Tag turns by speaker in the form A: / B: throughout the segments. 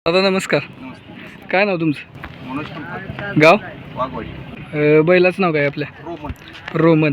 A: दादा नमस्कार.
B: नमस्ते.
A: काय नाव तुमचं?
B: मनोज कुलकर्णी,
A: गाव?
B: वाघवाडी.
A: बैलाचं नाव काय आपल्या?
B: रोमन.
A: रोमन.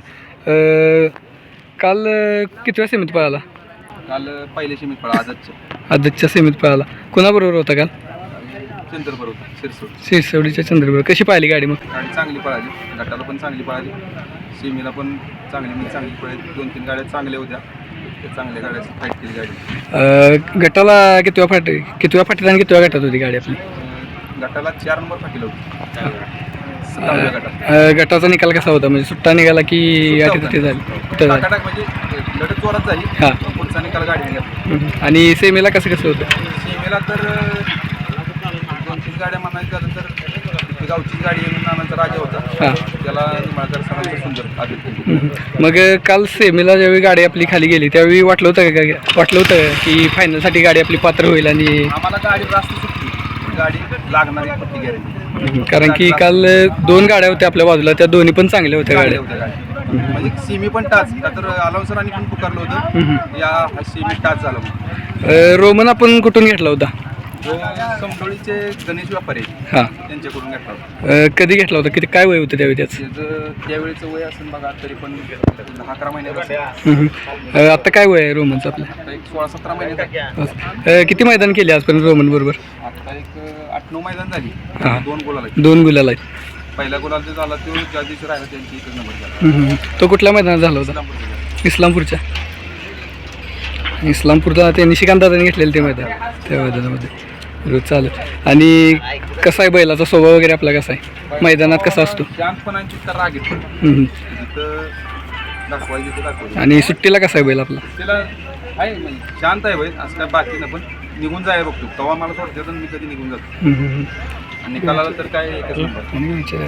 A: काल कितव्या सेमीत पळाला?
B: काल पहिल्या सीमित पळा आजच्या
A: आदतच्या सेमीत पळाला. कोणाबरोबर होता काल?
B: चंद्रपूर होता शिरसोड.
A: शिरसवडीच्या चंद्रपूर. कशी पाहिली गाडी मग?
B: गाडी चांगली पळाली, गटाला पण चांगली पळाली, सीमेला पण चांगली पळाली. 2-3 गाड्या चांगल्या होत्या, त्या चांगल्या गाड्या फाईट केली गाडी.
A: गटाला कितव्या फाटीत आणि कितव्या गटात होती गाडी आपली?
B: गटाला 4 नंबर फाटीला होती. 7व्या गटात.
A: गटाचा निकाल कसा होता? म्हणजे सुट्टा निघाला की अटी झाली?
B: टाकाटाक म्हणजे लढत जोरात झाली.
A: हां.
B: पुढचा निकाल गाडी घेतला.
A: आणि सेमीला कसं होतं?
B: सीमेला तर 2-3 गाड्या म्हणायचं झालं तर गावची गाडी नानांचा राजा होता.
A: हां.
B: त्याला निंबाळकर सरांचं सुंदर आदित्य.
A: मग काल सेमीला ज्यावेळी गाडी आपली खाली गेली त्यावेळी वाटलं होतं की फायनलसाठी गाडी आपली पात्र होईल? आणि
B: आम्हाला गाडी रास्त सुटली, गाडी लागणारी पट्टी गॅरंटी.
A: कारण की काल 2 गाड्या होत्या आपल्या बाजूला, त्या दोन्ही पण चांगल्या होत्या गाड्या.
B: म्हणजे सीमी पण टाच का तर आलाव सरांनी पण पुकारलं होतं या सीमी टाच झालं.
A: रोमन आपण कुठून घेतला होता?
B: समडोळीचे गणेश व्यापारी
A: हां.
B: त्यांच्याकडून घेतला होता.
A: कधी घेतला होता? किती काय वय होतं त्यावेळी त्याचं?
B: त्यावेळेचं वय असेल बघा तरी पण 10-11 महिन्याचं.
A: आता काय वय आहे रोमनचं आपलं?
B: आता एक 16-17 महिन्याचा.
A: किती मैदान केली आजपर्यंत रोमन बरोबर?
B: आता एक 8-9 मैदान झाली.
A: हां.
B: 2 गोल आला.
A: 2 गुलाल आहेत.
B: पहिला गोल जो झाला तो ज्या दिवशी राहिला त्यांची एकच नंबर झाला.
A: तो कुठल्या मैदानात झाला होता? इस्लामपूरच्या. इस्लामपूरचा ते निशिकांत दादाने घेतलेलं ते मैदान, त्या मैदानामध्ये. रोज चालेल. आणि कसा आहे बैलाचा स्वभाव वगैरे आपला कसा आहे? मैदानात कसा असतो?
B: शांतपणाची तर राग येतो. जिथं दाखवायचं तिथं दाखवायचं.
A: आणि सुट्टीला कसा आहे बैल आपला?
B: तिला आहे म्हणजे शांत आहे बैल, असं काय बाकी नाही, पण निघून जायला बघतो. तेव्हा मला सोडते तर मी कधी निघून जातो. आणि निकालाला तर काय एकच नंबर.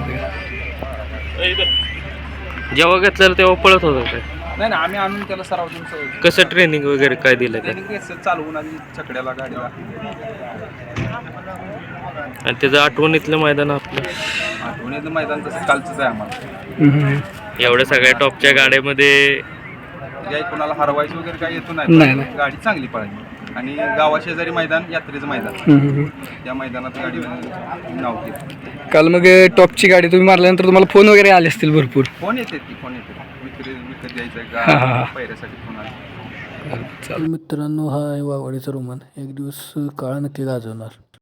C: जेव्हा घेतलं तेव्हा पळत होतं काय?
B: नाही ना, आम्ही आणून त्याला सराव देऊन सवय.
C: कसं ट्रेनिंग वगैरे काय दिलं काय?
B: ट्रेनिंग कसं चालवून आधी छकड्याला गाडीला.
C: आणि त्याचं आठवणीतलं मैदान आपलं
B: आठवणीतलं मैदान तसं कालचंच आहे आम्हाला.
C: एवढ्या सगळ्या टॉपच्या गाड्यामध्ये
B: काही कोणाला हरवायचं वगैरे काही येतो
A: नाही,
B: नाही.
A: नाही.
B: गाडी चांगली पळाली. आणि गावाशेजारी मैदान, यात्रेचं मैदान, त्या मैदानात गाडी नाव केलं.
A: काल मग टॉपची गाडी तुम्ही मारल्यानंतर तुम्हाला फोन वगैरे आले असतील भरपूर?
B: फोन येते विकत द्यायचं आहे
A: हां, हां,
B: का,
A: हां.
B: पैऱ्यासाठी फोन आले.
A: चालेल. मित्रांनो, हा आहे वाघवाडीचा रोमन. एक दिवस काळ नक्की गाजवणार.